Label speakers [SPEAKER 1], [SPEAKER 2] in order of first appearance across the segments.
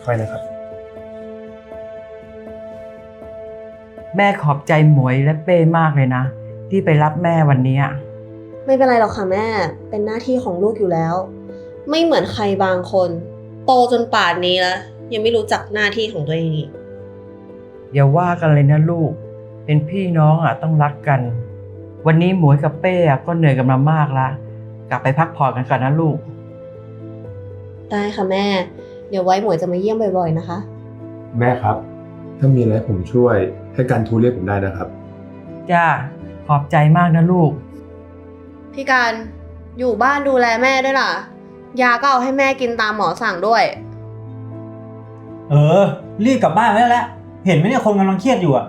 [SPEAKER 1] ค่อยๆนะครับ
[SPEAKER 2] แม่ขอบใจหมวยและเป้มากเลยนะที่ไปรับแม่วันนี้
[SPEAKER 3] ไม่เป็นไรหรอกค่ะแม่ เป็นหน้าที่ของลูกอยู่แล้ว ไม่เหมือนใครบางคน โตจนป่านนี้แล้วยังไม่รู้จักหน้าที่ของตัวเองอีก
[SPEAKER 2] อย่าว่ากันเลยนะลูก เป็นพี่น้องต้องรักกัน วันนี้หมวยกับเป้ก็เหนื่อยกันมามากแล้วกลับไปพักผ่อนกันก่อนนะลูก
[SPEAKER 3] ได้ค่ะแม่ เดี๋ยวไว้หมวยจะมาเยี่ยมบ่อยๆนะคะ
[SPEAKER 1] แม่ครับ ถ้ามีอะไรผมช่วยให้การทูเรียกผมได้นะครับ
[SPEAKER 2] จ้าขอบใจมากนะลูก
[SPEAKER 3] พี่การอยู่บ้านดูแลแม่ด้วยล่ะ ยาก็เอาให้แม่กินตามหมอสั่งด้วย
[SPEAKER 4] รีบกลับบ้านไปแล้วเห็นไหมเนี่ยคนกำลังเครียดอยู่อ่ะ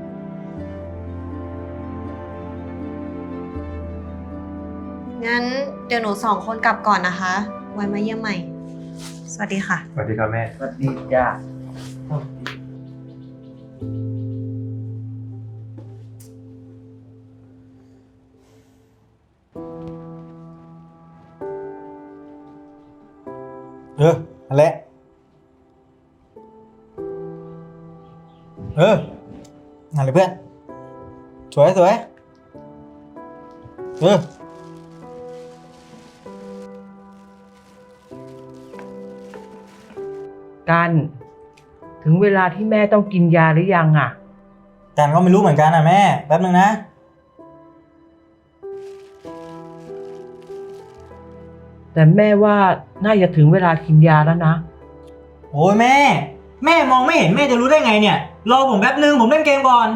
[SPEAKER 3] งั้นเดี๋ยวหนู2 คนกลับก่อนนะคะ ไว้มาเยี่ยมใหม่ สวัสดีค่ะ
[SPEAKER 1] สวัสดีครับแม่
[SPEAKER 2] สวัสดีจ้า
[SPEAKER 4] อะไรอะไรเพื่อนสวย
[SPEAKER 2] กันถึงเวลาที่แม่ต้องกินยาหรือยัง
[SPEAKER 4] กันก็ไม่รู้เหมือนกันนะแม่แป๊บนึงนะ
[SPEAKER 2] แต่แม่ว่าน่าจะถึงเวลากินยาแล้วนะ
[SPEAKER 4] โอ้ยแม่มองไม่เห็นแม่จะรู้ได้ไงเนี่ยรอผมแป๊บนึงผมเล่นเกมก่อน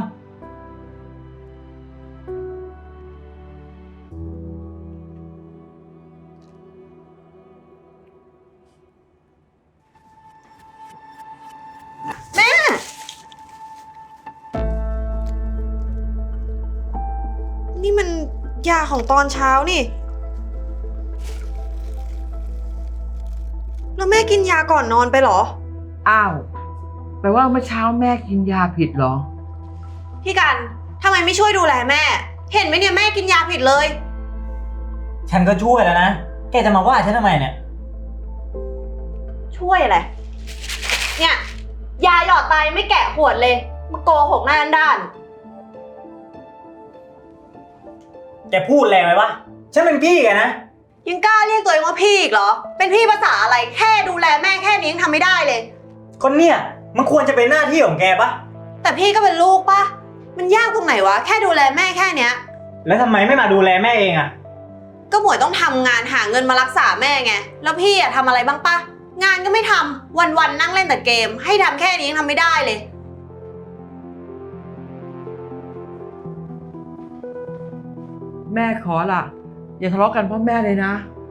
[SPEAKER 3] นี่มันยาของตอนเช้านี่ แล้วแม่กินยาก่อนนอนไปเหรอ
[SPEAKER 2] อ้าวแปลว่าเมื่อเช้าแม่กินยาผิดเหรอ
[SPEAKER 3] พี่กันทำไมไม่ช่วยดูแลแม่ เห็นไหมเนี่ยแม่กินยาผิดเลย
[SPEAKER 4] ฉันก็ช่วยแล้วนะแกจะมาว่าฉันทำไมเนี่ย
[SPEAKER 3] ช่วยอะไร เนี่ยยาหยอดตายไม่แกะขวดเลยมาโกหกหน้าด้าน
[SPEAKER 4] แกพูดแรงไหมวะฉันเป็นพี่แกนะ
[SPEAKER 3] ยังกล้าเรียกตัวเองว่าพี่อีกเหรอ เป็นพี่ภาษาอะไรแค่ดูแลแม่แค่นี้ยังทำไม่ได้เลย
[SPEAKER 4] คนเนี่ยมันควรจะเป็นหน้าที่ของแกปะ
[SPEAKER 3] แต่พี่ก็เป็นลูกปะมันยากตรงไหนวะแค่ดูแลแม่แค่เนี้ย
[SPEAKER 4] แล้วทำไมไม่มาดูแลแม่เองอะ
[SPEAKER 3] ก็หมวยต้องทำงานหาเงินมารักษาแม่ไงแล้วพี่อะทำอะไรบ้างปะงานก็ไม่ทำวันๆนั่งเล่นแต่เกม ให้ทำแค่นี้ยังทำไม่ได้เลย
[SPEAKER 2] แม่ขอล่ะ อย่าทะเลาะกันเพราะแม่เลยนะ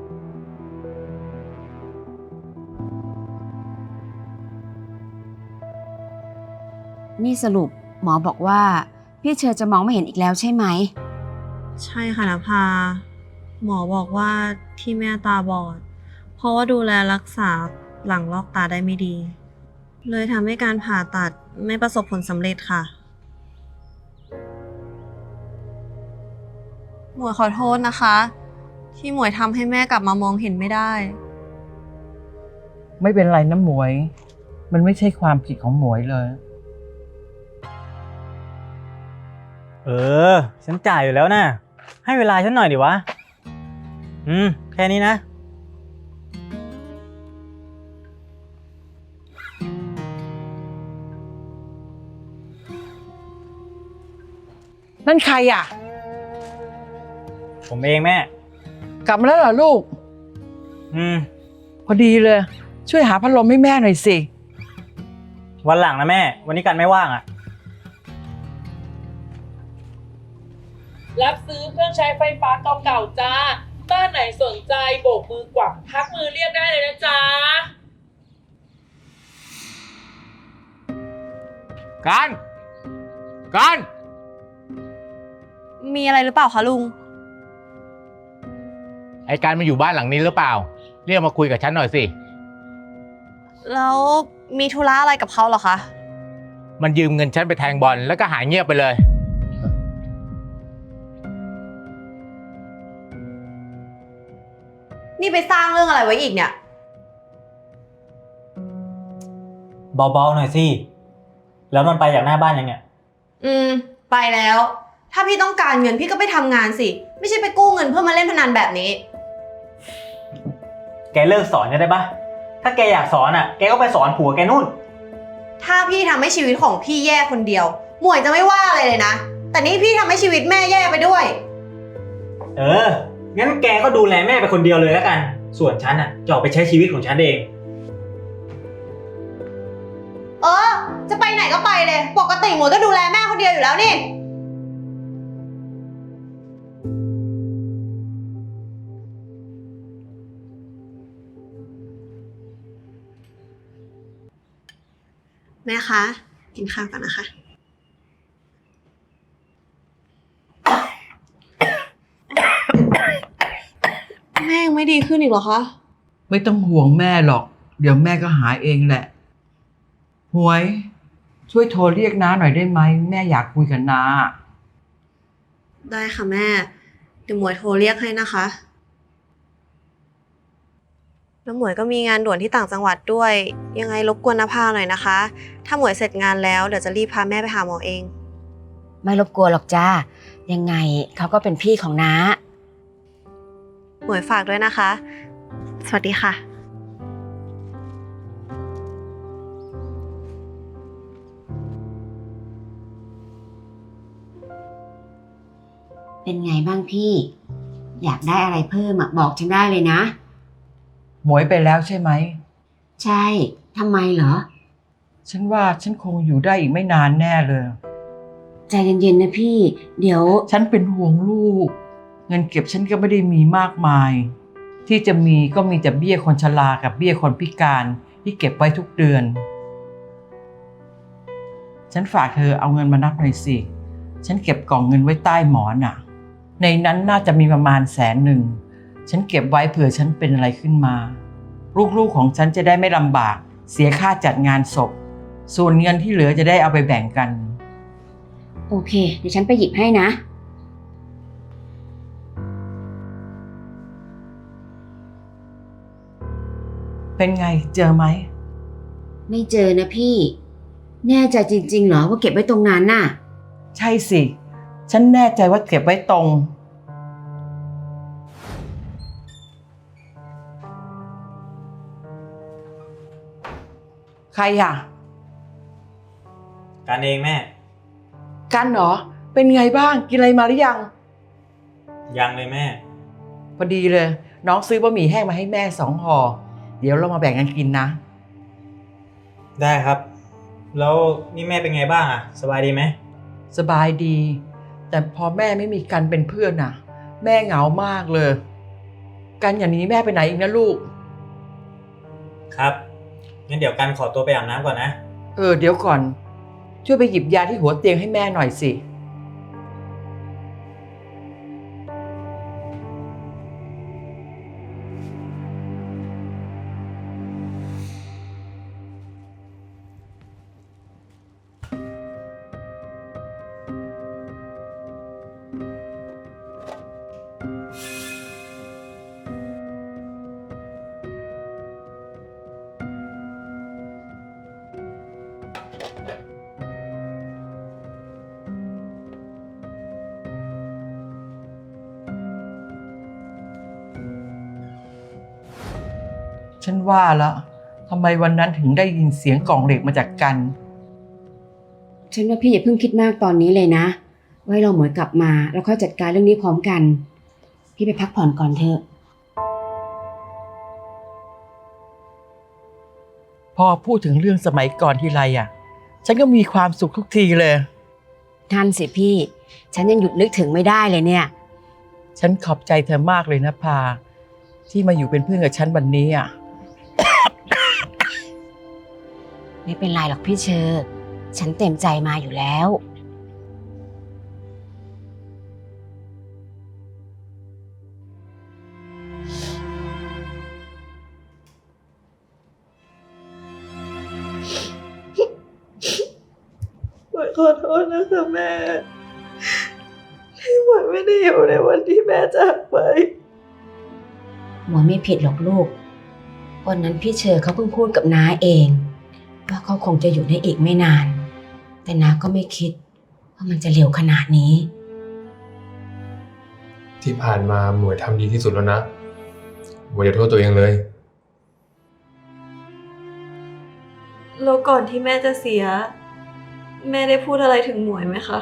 [SPEAKER 5] นี่สรุปหมอบอกว่าพี่เชอจะมองไม่เห็นอีกแล้วใช่ไหม
[SPEAKER 3] ใช่ค่ะนภาหมอบอกว่าที่แม่ตาบอด เพราะว่าดูแลรักษาหลังลอกตาได้ไม่ดี เลยทำให้การผ่าตัดไม่ประสบผลสำเร็จค่ะหมวยขอโทษนะคะ ที่หมวยทำให้แม่กลับมามองเห็นไม่ได้
[SPEAKER 2] ไม่เป็นไรนะหมวย มันไม่ใช่ความผิดของหมวยเลย
[SPEAKER 4] ฉันจ่ายอยู่แล้วนะให้เวลาฉันหน่อยดิวะแค่นี้นะ
[SPEAKER 2] นั่นใคร
[SPEAKER 4] ผมเองแม่
[SPEAKER 2] กลับมาแล้วเหรอลูก พอดีเลย ช่วยหาพัดลมให้แม่หน่อยสิ
[SPEAKER 4] วันหลังนะแม่ วันนี้กันไม่ว่างอะ
[SPEAKER 6] รับซื้อเครื่องใช้ไฟฟ้าเก่าๆจ้า บ้านไหนสนใจโบกมือกวักทักมือเรียกได้เลยนะจ๊ะ
[SPEAKER 7] การ
[SPEAKER 3] มีอะไรหรือเปล่าคะลุง
[SPEAKER 7] ไอ้การมาอยู่บ้านหลังนี้หรือเปล่า เรียกมาคุยกับฉันหน่อยสิ
[SPEAKER 3] แล้วมีธุระอะไรกับเขาเหรอคะ
[SPEAKER 7] มันยืมเงินฉันไปแทงบอลแล้วก็หายเงียบไปเลย
[SPEAKER 3] นี่ไปสร้างเรื่องอะไรไว้อีกเนี่ย
[SPEAKER 4] เบาๆหน่อยสิ แล้วมันไปจากหน้าบ้านยังเนี่ย
[SPEAKER 3] ไปแล้ว ถ้าพี่ต้องการเงินพี่ก็ไปทำงานสิ ไม่ใช่ไปกู้เงินเพื่อมาเล่นพนันแบบนี้
[SPEAKER 4] แกเลิกสอนได้ปะถ้าแกอยากสอนอ่ะ แกก็ไปสอนผัวแกนู่น
[SPEAKER 3] ถ้าพี่ทำให้ชีวิตของพี่แย่คนเดียว หมวยจะไม่ว่าอะไรเลยนะ แต่นี่พี่ทำให้ชีวิตแม่แย่ไปด้วย
[SPEAKER 4] งั้นแกก็ดูแลแม่ไปคนเดียวเลยแล้วกัน ส่วนฉันอ่ะจะออกไปใช้ชีวิตของฉันเอง
[SPEAKER 3] จะไปไหนก็ไปเลย ปกติหมวยก็ดูแลแม่คนเดียวอยู่แล้วนี่ แม่คะ กินข้าวกันนะคะ แม่ยังไม่ดีขึ้นอีกเหรอคะ
[SPEAKER 2] ไม่ต้องห่วงแม่หรอก เดี๋ยวแม่ก็หายเองแหละ หวย ช่วยโทรเรียกน้าหน่อยได้ไหม แม่อยากคุยกับน้า
[SPEAKER 3] ได้ค่ะแม่ เดี๋ยวหมวยโทรเรียกให้นะคะ แล้วหมวยก็มีงานด่วนที่ต่างจังหวัดด้วย ยังไงรบกวนนภาหน่อยนะคะ ถ้าหมวยเสร็จงานแล้วเดี๋ยวจะรีบพาแม่ไปหาหมอเอง
[SPEAKER 5] ไม่รบกวนหรอกจ้า ยังไงเขาก็เป็นพี่ของน้า
[SPEAKER 3] หมวยฝากด้วยนะคะ สวัสดีค่ะ
[SPEAKER 5] เป็นไงบ้างพี่ อยากได้อะไรเพิ่มบอกฉันได้เลยนะ
[SPEAKER 2] หมวยไปแล้วใช่ไหม
[SPEAKER 5] ใช่ทำไมเหรอ
[SPEAKER 2] ฉันว่าฉันคงอยู่ได้อีกไม่นานแน่เลย
[SPEAKER 5] ใจเย็นๆนะพี่ เดี๋ยว
[SPEAKER 2] ฉันเป็นห่วงลูก เงินเก็บฉันก็ไม่ได้มีมากมาย ที่จะมีก็มีแต่เบี้ยคนชรากับเบี้ยคนพิการที่เก็บไว้ทุกเดือน ฉันฝากเธอเอาเงินมานับหน่อยสิ ฉันเก็บกล่องเงินไว้ใต้หมอนน่ะ ในนั้นน่าจะมีประมาณ100,000 ฉันเก็บไว้เผื่อฉันเป็นอะไรขึ้นมา ลูกๆของฉันจะได้ไม่ลำบาก เสียค่าจัดงานศพ ส่วนเงินที่เหลือจะได้เอาไปแบ่งกัน
[SPEAKER 5] โอเค เดี๋ยวฉันไปหยิบให้นะ
[SPEAKER 2] เป็นไงเจอไหม
[SPEAKER 5] ไม่เจอนะพี่ แน่ใจจริงๆเหรอว่าเก็บไว้ตรงนั้นน่ะ
[SPEAKER 2] ใช่สิ ฉันแน่ใจว่าเก็บไว้ตรง ใครอ่ะ
[SPEAKER 4] การเองแม่
[SPEAKER 2] กันเหรอ เป็นไงบ้าง กินอะไรมาหรือยัง
[SPEAKER 4] ยังเลยแม่
[SPEAKER 2] พอดีเลย น้องซื้อบะหมี่แห้งมาให้แม่2 ห่อ เดี๋ยวเรามาแบ่งกันกินนะ
[SPEAKER 4] ได้ครับ แล้วนี่แม่เป็นไงบ้างอ่ะ สบายดีไหม
[SPEAKER 2] สบายดี แต่พอแม่ไม่มีกันเป็นเพื่อนน่ะ แม่เหงามากเลย กันอย่างนี้แม่ไปไหนอีกนะลูก
[SPEAKER 4] ครับ งั้นเดี๋ยวกันขอตัวไปอาบน้ำก่อนนะ
[SPEAKER 2] เดี๋ยวก่อน ช่วยไปหยิบยาที่หัวเตียงให้แม่หน่อยสิ ฉันว่าแล้วทำไมวันนั้นถึงได้ยินเสียงกล่องเหล็กมาจากกัน
[SPEAKER 5] ฉันว่าพี่อย่าเพิ่งคิดมากตอนนี้เลยนะ ไว้เราหมวยกลับมาแล้วค่อยจัดการเรื่องนี้พร้อมกัน พี่ไปพักผ่อนก่อนเถอะ
[SPEAKER 2] พอพูดถึงเรื่องสมัยก่อนทีไรฉันก็มีความสุขทุกทีเลย
[SPEAKER 5] ท่านสิพี่ ฉันยังหยุดนึกถึงไม่ได้เลยเนี่ย
[SPEAKER 2] ฉันขอบใจเธอมากเลยนะพา ที่มาอยู่เป็นเพื่อนกับฉันวันนี้
[SPEAKER 5] ไม่เป็นไรหรอกพี่เชอร์ฉันเต็มใจมาอยู่แล้ว
[SPEAKER 3] หมวยขอโทษนะคะแม่ ที่หมวยไม่ได้อยู่ในวันที่แม่จากไป
[SPEAKER 5] หมวยไม่ผิดหรอกลูก วันนั้นพี่เชอร์เขาเพิ่งพูดกับน้าเองว่าเขาคงจะอยู่ได้อีกไม่นาน แต่นาก็ไม่คิดว่ามันจะเร็วขนาดนี้
[SPEAKER 1] ที่ผ่านมาหมวยทำดีที่สุดแล้วนะหมวยอย่าโทษตัวเองเลย
[SPEAKER 3] แล้วก่อนที่แม่จะเสีย แม่ได้พูดอะไรถึงหมวยไหมคะ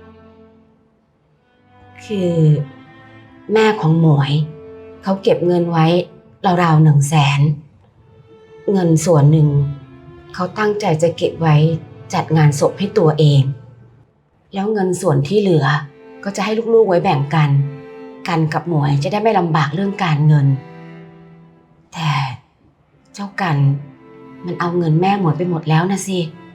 [SPEAKER 5] คือแม่ของหมวยเขาเก็บเงินไว้ราวๆ100,000เงินส่วนหนึ่งเขาตั้งใจจะเก็บไว้จัดงานศพให้ตัวเอง แล้วเงินส่วนที่เหลือก็จะให้ลูกๆไว้แบ่งกันกับหมวยจะได้ไม่ลำบากเรื่องการเงิน แต่เจ้ากันมันเอาเงินแม่หมวยไปหมดแล้วนะสิ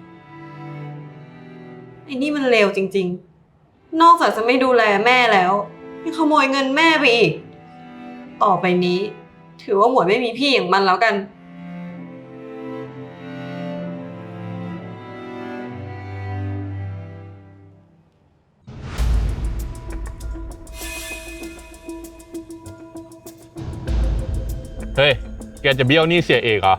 [SPEAKER 3] ไอ้นี่มันเลวจริงๆ นอกจากจะไม่ดูแลแม่แล้วยังขโมยเงินแม่ไปอีก ต่อไปนี้ ถือว่าหมวยไม่มีพี่อย่างมันแล้วกัน
[SPEAKER 8] เฮ้ย แกจะเบี้ยวหนี้เสียเอกเหรอ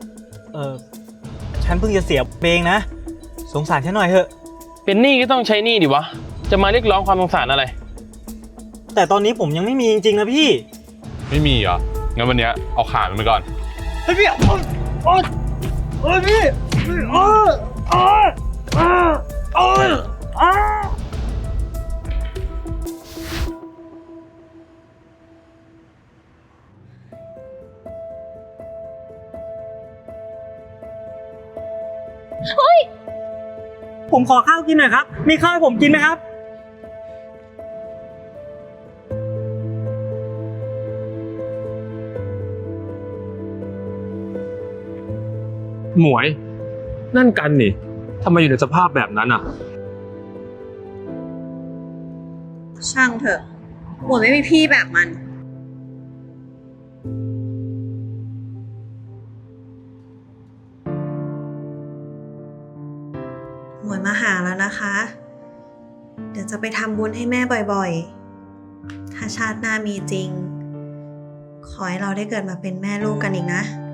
[SPEAKER 4] ฉันเพิ่งจะเสียเองนะ สงสารฉันหน่อยเถอะ
[SPEAKER 8] เป็นหนี้ก็ต้องใช้หนี้ดิวะ จะมาเรียกร้องความสงสารอะไร
[SPEAKER 4] แต่ตอนนี้ผมยังไม่มีจริงๆนะพี่
[SPEAKER 8] ไม่มีเหรอ งั้นวันเนี้ยเอาขามันไปก่อน
[SPEAKER 4] เฮ้ยพี่ผมขอข้าวกินหน่อยครับ มีข้าวให้ผมกินไหมครับ
[SPEAKER 1] หมวย นั่นกันนี่ทำไมอยู่ในสภาพแบบนั้นอ่ะ
[SPEAKER 3] ช่างเถอะ หมวยไม่มีพี่แบบมัน หมวยมาหาแล้วนะคะ เดี๋ยวจะไปทำบุญให้แม่บ่อยๆ ถ้าชาติหน้ามีจริง ขอให้เราได้เกิดมาเป็นแม่ลูกกันอีกนะ